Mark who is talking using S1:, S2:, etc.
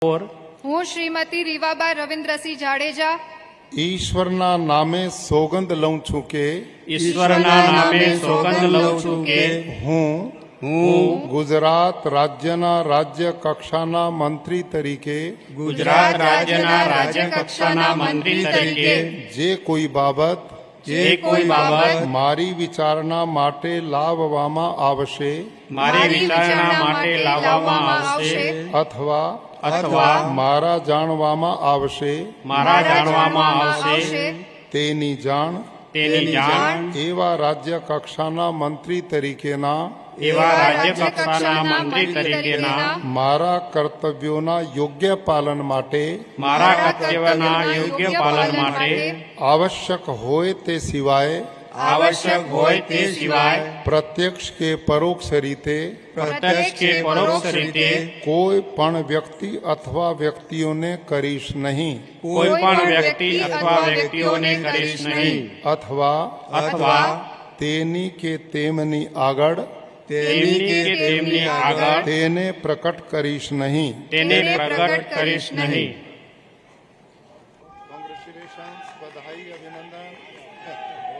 S1: और
S2: હું શ્રીમતી રીવાબા રવિન્દ્રસિંહ જાડેજા
S3: ઈશ્વરના નામે સોગંદ લઉં છું કે
S1: ઈશ્વરના નામે સોગંદ લઉં છું કે
S3: હું ગુજરાત રાજ્યના રાજ્ય કક્ષાના મંત્રી તરીકે
S1: ગુજરાત રાજ્યના રાજ્ય કક્ષાના મંત્રી તરીકે
S3: જે કોઈ બાબત મારી વિચારણા માટે લાવવામાં આવશે
S1: મારી વિચારણા માટે લાવવામાં આવશે
S3: અથવા મારા જાણવામાં આવશે તેની જાણ એવા રાજ્ય કક્ષાના મંત્રી તરીકેના મારા કર્તવ્યોના યોગ્ય પાલન માટે આવશ્યક હોય તે સિવાય પ્રત્યક્ષ કે પરોક્ષ રીતે કોઈ પણ વ્યક્તિ અથવા વ્યક્તિઓને કરીશ નહીં અથવા તેની કે તેમની આગળ તેને પ્રકટ કરીશ નહીં। કોંગ્રેચ્યુલેશન્સ, બધાઈ, અભિનંદન।